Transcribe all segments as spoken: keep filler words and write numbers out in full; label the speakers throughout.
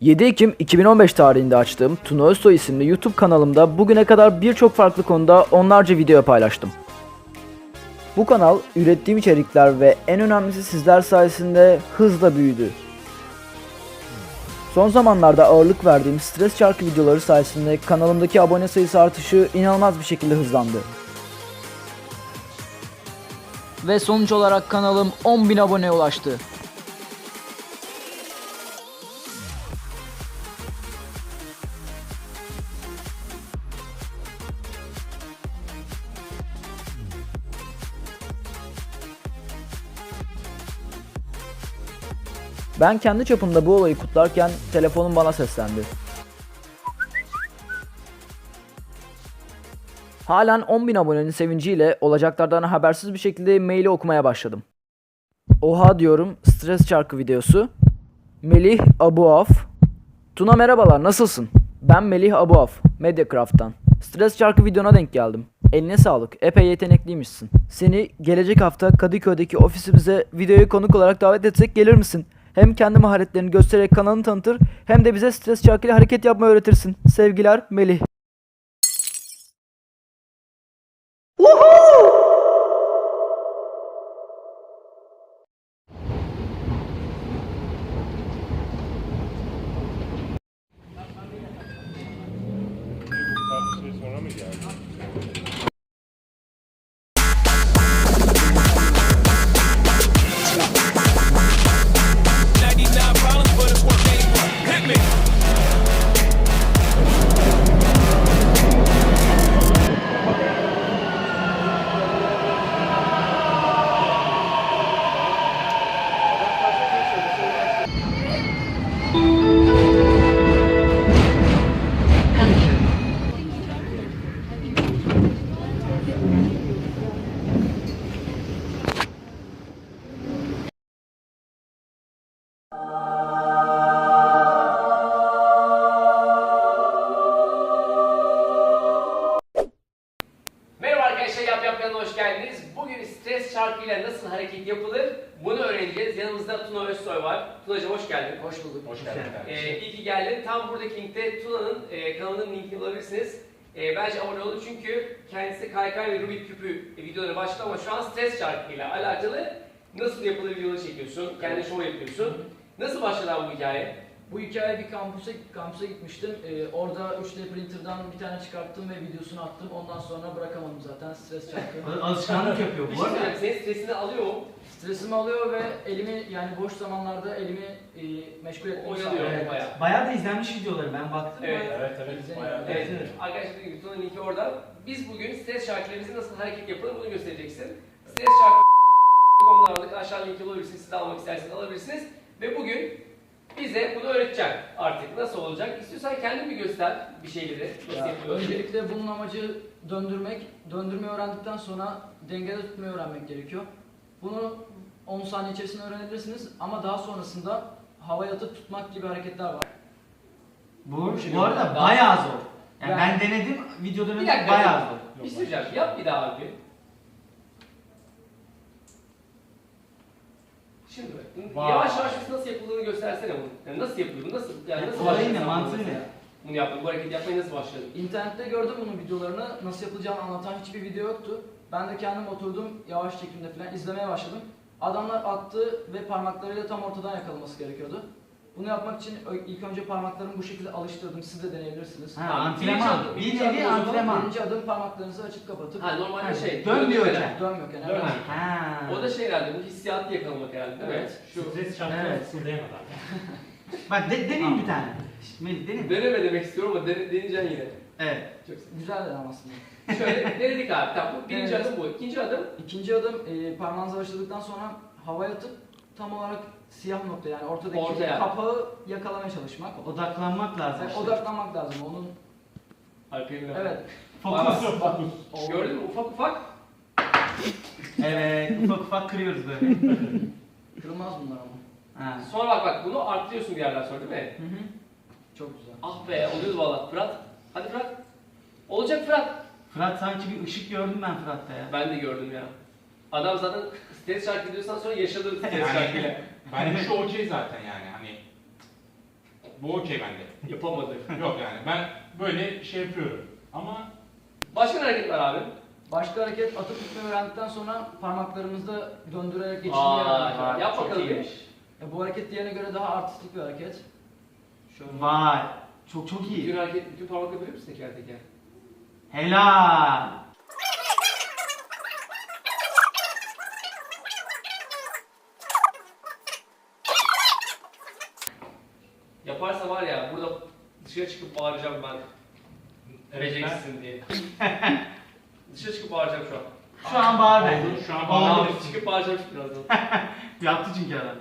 Speaker 1: yedi Ekim iki bin on beş tarihinde açtığım Tuna Özsoy isimli YouTube kanalımda bugüne kadar birçok farklı konuda onlarca video paylaştım. Bu kanal ürettiğim içerikler ve en önemlisi sizler sayesinde hızla büyüdü. Son zamanlarda ağırlık verdiğim stres şarkı videoları sayesinde kanalımdaki abone sayısı artışı inanılmaz bir şekilde hızlandı. Ve sonuç olarak kanalım on bin aboneye ulaştı. Ben kendi çapımda bu olayı kutlarken telefonum bana seslendi. Halen on bin abonenin sevinciyle olacaklardan habersiz bir şekilde maili okumaya başladım. Oha diyorum, stres şarkı videosu. Melih Abuaf. Tuna merhabalar, nasılsın? Ben Melih Abuaf, Mediacraft'tan. Stres şarkı videona denk geldim. Eline sağlık, epey yetenekliymişsin. Seni gelecek hafta Kadıköy'deki ofisimize videoya konuk olarak davet etsek gelir misin? Hem kendi maharetlerini göstererek kanalını tanıtır hem de bize stres şarkıyla hareket yapmayı öğretirsin. Sevgiler, Melih.
Speaker 2: Tartışmayı sonra mı geldi?
Speaker 3: ninety-nine problems, but it's one main one. Hit me.
Speaker 4: Merhaba arkadaşlar, Yap Yap kanalına hoş geldiniz. Bugün stres şarkıyla nasıl hareket yapılır bunu öğreneceğiz. Yanımızda Tuna Özsoy var. Tunacığım hoş geldin.
Speaker 1: Hoş bulduk.
Speaker 2: Hoş geldin kardeşim.
Speaker 4: Ee, iyi ki geldin. Tam buradaki linkte Tuna'nın e, kanalının linkini bulabilirsiniz. E, bence abone olun çünkü kendisi kaykay ve Rubik küpü videoları başladı ama şu an stres şarkıyla alakalı nasıl yapılır videoları çekiyorsun, kendi show yapıyorsun. Nasıl başladı abi bu hikaye?
Speaker 5: Bu hikaye bir kampüse, kampüse gitmiştim. Ee, orada üç D printer'dan bir tane çıkarttım ve videosunu attım. Ondan sonra bırakamadım zaten stres şarkı.
Speaker 6: Alışkanlık yapıyor
Speaker 4: Bir
Speaker 6: bu
Speaker 4: şey
Speaker 6: arada.
Speaker 4: söyleyeyim, senin stresini alıyor mu?
Speaker 5: Stresimi alıyor ve elimi yani boş zamanlarda elimi e, meşgul etmemi
Speaker 4: Oyalıyor.
Speaker 5: sağlıyor.
Speaker 4: Evet. Bayağı.
Speaker 6: Bayağı da izlenmiş videoları ben baktım.
Speaker 4: Evet.
Speaker 6: bayağı.
Speaker 2: Evet evet.
Speaker 5: Güzel.
Speaker 2: Bayağı.
Speaker 4: Evet,
Speaker 6: Evet.
Speaker 4: arkadaşlar dediğim gibi Tuna'nın linki orada. Biz bugün stres şarkılarımızı nasıl hareket yapılır bunu göstereceksin. Stres şarkı nokta com'dan aldık. Aşağı linki bulabilirsiniz. Siz de almak isterseniz alabilirsiniz. Ve bugün bize bunu öğreteceksin artık. Nasıl olacak? İstiyorsan kendin bir göster bir şeyleri. Nasıl
Speaker 5: Ya,
Speaker 4: yapılıyor?
Speaker 5: öncelikle bunun amacı döndürmek. Döndürmeyi öğrendikten sonra dengede tutmayı öğrenmek gerekiyor. Bunu on saniye içerisinde öğrenebilirsiniz ama daha sonrasında havaya atıp tutmak gibi hareketler var.
Speaker 6: Bu,
Speaker 4: şey
Speaker 6: bu arada
Speaker 4: daha-
Speaker 6: bayağı zor. Yani
Speaker 5: Ben-
Speaker 6: ben denedim, videoda
Speaker 4: Bir dakika.
Speaker 6: bayağı zor.
Speaker 4: Bir şey söyleyeceğim. Yap bir daha abi. Şimdi bak,
Speaker 2: Vay.
Speaker 4: yavaş yavaş biz nasıl yapıldığını göstersene bunu. Yani nasıl yapılıyor? bu? Nasıl yani nasıl
Speaker 6: Olayı
Speaker 4: başladın
Speaker 6: ne,
Speaker 4: sen
Speaker 6: mantığı
Speaker 4: bunu
Speaker 6: ne?
Speaker 4: mesela? Bunu yaptın, bu hareketi yapmaya nasıl başladın?
Speaker 5: İnternette gördüm bunun videolarını, nasıl yapılacağını anlatan hiçbir video yoktu. Ben de kendim oturdum, yavaş çekimde falan izlemeye başladım. Adamlar attı ve parmaklarıyla tam ortadan yakalaması gerekiyordu. Bunu yapmak için ö- ilk önce parmaklarımı bu şekilde alıştırdım, siz de deneyebilirsiniz.
Speaker 6: Ha,
Speaker 4: Tamam, birinci
Speaker 6: antrenman.
Speaker 4: adım,
Speaker 6: Bir
Speaker 4: birinci
Speaker 6: nevi
Speaker 4: adım o zaman
Speaker 6: antrenman.
Speaker 5: Birinci adım parmaklarınızı açıp kapatıp
Speaker 4: Ha normalde
Speaker 6: Ha,
Speaker 4: şey,
Speaker 6: dönmüyorken.
Speaker 5: dönmüyorken.
Speaker 4: Dön.
Speaker 5: Evet.
Speaker 6: Ha.
Speaker 4: O da şey herhalde, bu hissiyatı yakalamak herhalde değil mi?
Speaker 5: Evet.
Speaker 4: Şu
Speaker 2: Stres şarkıları
Speaker 6: Evet.
Speaker 2: fısıldayamadan.
Speaker 6: Bak de, deneyim bir tane. Şşt, Melih deneyim.
Speaker 4: deneme demek istiyorum ama dene, deneyeceksin yine.
Speaker 6: Evet.
Speaker 4: Çok güzel.
Speaker 5: Güzel de aslında.
Speaker 4: Şöyle denedik abi, tamam bu birinci
Speaker 5: Evet.
Speaker 4: adım bu. İkinci adım,
Speaker 5: İkinci adım e, parmağınızı başladıktan sonra havaya atıp tam olarak siyah nokta yani ortadaki
Speaker 4: Ortaya.
Speaker 5: kapağı yakalamaya çalışmak.
Speaker 6: Odaklanmak lazım.
Speaker 5: Yani
Speaker 6: işte.
Speaker 5: odaklanmak lazım onun.
Speaker 4: arkaya bir
Speaker 5: Evet.
Speaker 6: Fokus.
Speaker 5: Bak,
Speaker 4: Gördün mü ufak ufak?
Speaker 6: Evet, ufak ufak kırıyoruz böyle.
Speaker 5: Kırılmaz bunlar ama.
Speaker 6: Ha.
Speaker 4: Sonra bak bak bunu arttırıyorsun bir yerden sonra değil mi?
Speaker 5: Hı hı. Çok güzel.
Speaker 4: Ah be oluyoruz valla. Fırat. Hadi Fırat. Olacak Fırat.
Speaker 6: Fırat sanki bir ışık gördüm ben Fırat'ta ya.
Speaker 4: Ben de gördüm ya. Adam zaten stres şarkı diyorsan sonra yaşadı stres
Speaker 2: Yani-
Speaker 4: şarkıyla.
Speaker 2: Bence şu okey zaten yani hani
Speaker 7: Bu okey bende.
Speaker 4: Yapamadı.
Speaker 7: Yok yani ben böyle şey yapıyorum. Ama
Speaker 4: Başka ne hareket var abi?
Speaker 5: Başka hareket atıp tutmayı öğrendikten sonra parmaklarımızda döndürerek geçirmeyi
Speaker 4: Aa,
Speaker 5: öğrendik.
Speaker 4: yap
Speaker 5: Çok
Speaker 4: bakalım bir.
Speaker 5: iyiymiş. Ya bu hareket diğerine göre daha artistik bir hareket. Şöyle.
Speaker 6: Vay. Çok çok
Speaker 4: Bütün
Speaker 6: iyi.
Speaker 4: hareket, bütün parmakla bilir misin teker teker?
Speaker 6: Helal.
Speaker 4: Yaparsa var ya burada dışarı çıkıp bağıracağım ben.
Speaker 7: Evet,
Speaker 4: Vereceksin diye. Dışarı çıkıp bağıracağım şu an.
Speaker 6: Şu an bağır be.
Speaker 7: Oldu, şu an
Speaker 6: Oldu.
Speaker 7: bağır.
Speaker 4: Abi çıkıp bağıracağım birazdan.
Speaker 6: Yaptı çünkü adam.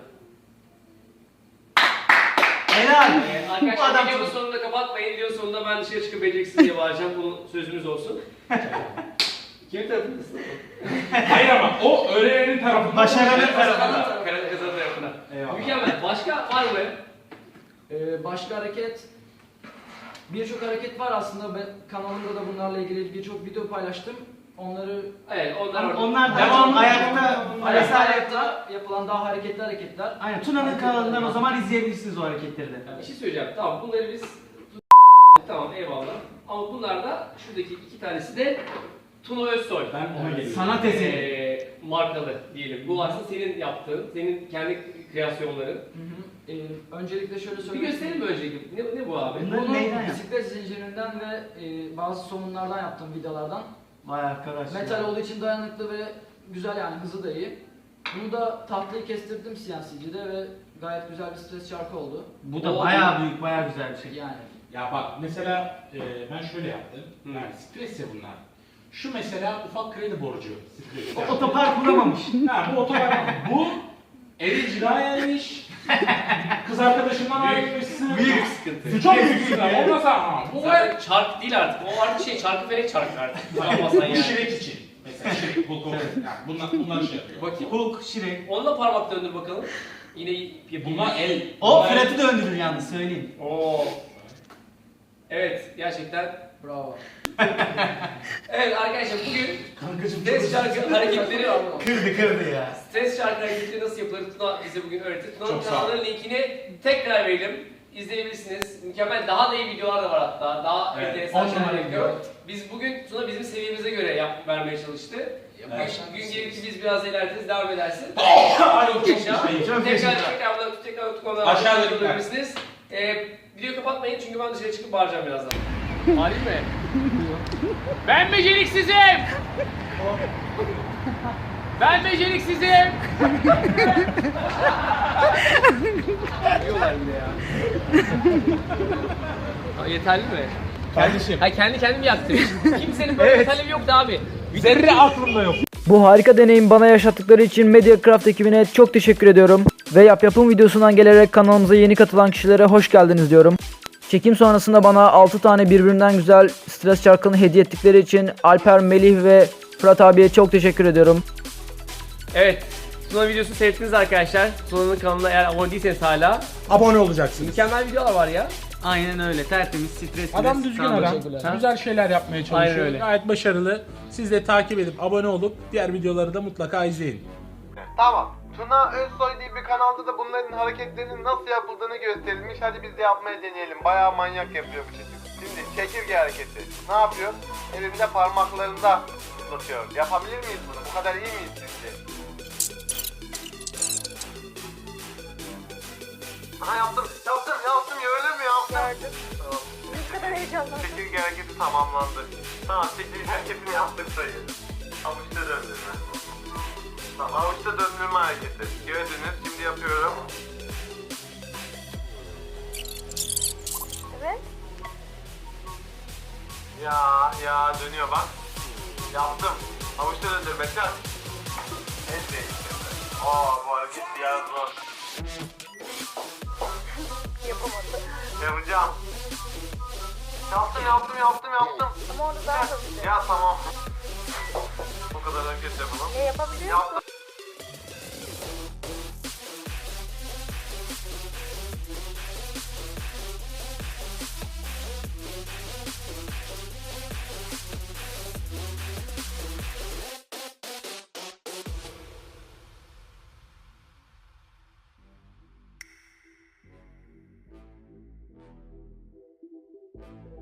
Speaker 6: Helal.
Speaker 4: Ee,
Speaker 6: Bu
Speaker 4: arkadaşlar
Speaker 6: adam
Speaker 4: videonun
Speaker 6: çok-
Speaker 4: sonunda kapatmayın. Videonun sonunda ben dışarı çıkıp vereceksin diye bağıracağım. Bunun sözümüz olsun. Kimin tarafındasın?
Speaker 7: Hayır ama o öğrenenin tarafında.
Speaker 6: Başarılı
Speaker 7: Evet,
Speaker 6: tarafında.
Speaker 4: Karar kazanın tarafına.
Speaker 7: Eyvallah.
Speaker 4: Mükemmel. Başka var mı?
Speaker 5: Ee, başka hareket, birçok hareket var aslında. Ben kanalımda da bunlarla ilgili birçok video paylaştım. Onları
Speaker 4: Evet onlar orada.
Speaker 6: Onlar da
Speaker 7: Devam.
Speaker 6: ayakta
Speaker 5: ayakta
Speaker 6: ayakta
Speaker 5: ayakta yapılan daha hareketli hareketler.
Speaker 6: Aynen Tuna'nın kanalından o zaman izleyebilirsiniz o hareketleri de.
Speaker 4: Bir şey söyleyeceğim. Tamam bunları biz tamam eyvallah. Ama bunlar da şuradaki iki tanesi de Tuna Özsoy.
Speaker 7: Ben ona geliyorum.
Speaker 6: Sanat eseri.
Speaker 4: Ee, markalı diyelim. Bu aslında senin yaptığın, senin kendi kreasyonların.
Speaker 5: Hı hı. Ee, öncelikle şöyle
Speaker 4: Bir
Speaker 5: söyleyeyim.
Speaker 4: gösterelim mi öncelikle? Ne, ne bu abi?
Speaker 6: Bunlar
Speaker 5: Bunu
Speaker 6: neyden yaptın?
Speaker 5: bisiklet zincirinden ve e, bazı somunlardan yaptım vidalardan.
Speaker 6: Vay arkadaş.
Speaker 5: Metal olduğu için dayanıklı ve güzel, yani hızı da iyi. Bunu da tahtayı kestirdim C N C'de ve gayet güzel bir stres çarkı oldu.
Speaker 6: Bu da
Speaker 4: O-
Speaker 6: bayağı büyük, bayağı güzel bir şey.
Speaker 5: Yani
Speaker 7: Ya bak mesela e, ben şöyle yaptım.
Speaker 4: Hı.
Speaker 7: Yani stres ya bunlar. Şu mesela ufak kredi borcu. Stres.
Speaker 6: O otopark kuramamış.
Speaker 7: Ha bu otopark. Bu Eri cinayetmiş. Kız arkadaşından ayrılmışsın.
Speaker 6: Büyük
Speaker 7: sıkıntı. Çok büyük sıkıntı. Olmasa ama. Bu var.
Speaker 4: Zaten çark değil artık. O artık şey çarkı felek çarkı artık. Yapmasan
Speaker 7: Bu
Speaker 4: yani.
Speaker 7: şirek için. Mesela şirek, bu konu. Yani bunlar, bunlar şey yapıyor.
Speaker 4: Bakayım.
Speaker 6: Hulk, Şirek.
Speaker 4: Onu da parmak döndür bakalım. Yine yapayım.
Speaker 7: Bunlar el.
Speaker 6: O
Speaker 7: bunlar el.
Speaker 6: Fırat'ı döndürür yalnız söyleyeyim.
Speaker 4: Oo. Evet gerçekten.
Speaker 5: bravo.
Speaker 4: Evet arkadaşlar bugün
Speaker 7: Kankacım
Speaker 4: stres şarkı hareketleri
Speaker 6: Kırdı kırdı ya.
Speaker 4: Stres şarkı hareketleri nasıl yapılır Tuna bize bugün öğretti. Tuna'nın
Speaker 7: Çok sağ ol.
Speaker 4: kanalının linkini tekrar verelim. İzleyebilirsiniz. Mükemmel daha da iyi videolar da var hatta. Daha
Speaker 7: Evet,
Speaker 4: enteresan
Speaker 5: on
Speaker 4: şeyler
Speaker 5: numara
Speaker 4: yapıyor.
Speaker 5: video.
Speaker 4: Biz bugün Tuna bizim seviyemize göre yap vermeye çalıştı.
Speaker 7: Evet.
Speaker 4: Gün, gün gelir ki biz biraz ilerleriz, devam edersin.
Speaker 7: Ay,
Speaker 4: Çok
Speaker 7: çok
Speaker 4: yaşa.
Speaker 7: teşekkür
Speaker 6: Çok
Speaker 4: Tekrar
Speaker 6: teşekkür.
Speaker 4: tekrar burada tekrar tutuklamaya
Speaker 7: Aşağıda
Speaker 4: başlayabilirsiniz. Ee, videoyu kapatmayın çünkü ben dışarı çıkıp bağıracağım birazdan. Halim mi? Ben beceriksizim! Ben beceriksizim! Diyorlar bile ya. Ha, yeterli mi?
Speaker 7: Kardeşim.
Speaker 4: Ha kendi kendimi yaktım. Kimsenin böyle bir talebi yoktu abi.
Speaker 7: Zerre aklımda yok.
Speaker 1: Bu harika deneyim bana yaşattıkları için Mediacraft ekibine çok teşekkür ediyorum. Ve yap yapım videosundan gelerek kanalımıza yeni katılan kişilere hoş geldiniz diyorum. Çekim sonrasında bana altı tane birbirinden güzel stres çarkını hediye ettikleri için Alper, Melih ve Fırat abiye çok teşekkür ediyorum.
Speaker 4: Evet. Tuna videosunu seyrettiniz arkadaşlar. Tuna'nın kanalına eğer abone değilseniz hala.
Speaker 8: Abone olacaksınız.
Speaker 4: Mükemmel videolar var ya.
Speaker 6: Aynen öyle tertemiz, stresli.
Speaker 8: Adam düzgün adam. Güzel şeyler yapmaya
Speaker 4: Aynen
Speaker 8: çalışıyor.
Speaker 4: öyle.
Speaker 8: Gayet başarılı. Siz de takip edip abone olup diğer videoları da mutlaka izleyin.
Speaker 9: Tamam. Tuna Özsoy diye bir kanalda da bunların hareketlerinin nasıl yapıldığını gösterilmiş. Hadi biz de yapmaya deneyelim. Bayağı manyak yapıyor bu çocuk. Şimdi çekirge hareketi. Ne yapıyor? Elinde parmaklarında tutuyor. Yapabilir miyiz bunu? Bu kadar iyi miyiz sizce? Aha yaptım. Yaptım. Yaptım. Öyle mi yaptım? Tamam.
Speaker 10: Ne kadar heyecanlı.
Speaker 9: Çekirge hareketi tamamlandı. Tamam. Çekirge hareketini yaptık sayılır. Avuçta döndürme. Tamam, avuçta döndürme hareketi. Gördünüz, şimdi yapıyorum.
Speaker 10: Evet.
Speaker 9: Ya, ya dönüyor bak. Yaptım. Avuçta döndürme, çak. En değiştirdi. Aa, bu hareket biraz zor.
Speaker 10: Yapamadım.
Speaker 9: Yapacağım. Yaptım, yaptım, yaptım, yaptım.
Speaker 10: Ama onu daha hızlı.
Speaker 9: Ya tamam. Bu kadar hareket yapalım.
Speaker 10: Ne yapabiliyor musun?
Speaker 9: Yaptım.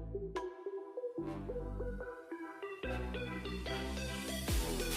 Speaker 10: Tamam.